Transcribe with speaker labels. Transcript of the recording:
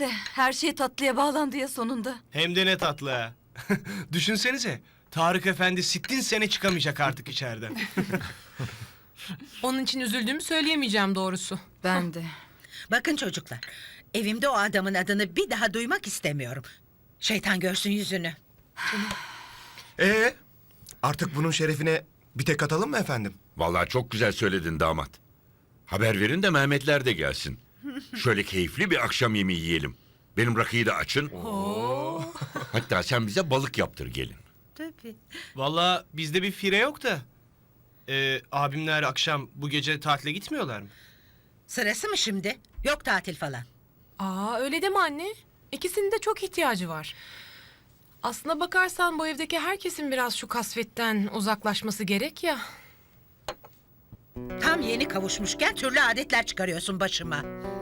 Speaker 1: Neyse, her şey tatlıya bağlandı ya sonunda.
Speaker 2: Hem de ne tatlı ha. Düşünsenize. Tarık Efendi sittin sene çıkamayacak artık içeriden.
Speaker 3: Onun için üzüldüğümü söyleyemeyeceğim doğrusu.
Speaker 1: Ben de.
Speaker 4: Bakın çocuklar, evimde o adamın adını bir daha duymak istemiyorum. Şeytan görsün yüzünü.
Speaker 5: Artık bunun şerefine bir tek atalım mı efendim?
Speaker 6: Vallahi çok güzel söyledin damat. Haber verin de Mehmetler de gelsin. Şöyle keyifli bir akşam yemeği yiyelim. Benim rakıyı da açın. Hatta sen bize balık yaptır gelin.
Speaker 4: Tabii.
Speaker 2: Vallahi bizde bir fire yok da. Abimler akşam bu gece tatile gitmiyorlar mı?
Speaker 4: Sırası mı şimdi? Yok tatil falan.
Speaker 3: Aa öyle deme anne. İkisinin de çok ihtiyacı var. Aslına bakarsan bu evdeki herkesin biraz şu kasvetten uzaklaşması gerek ya.
Speaker 4: Tam yeni kavuşmuşken türlü adetler çıkarıyorsun başıma.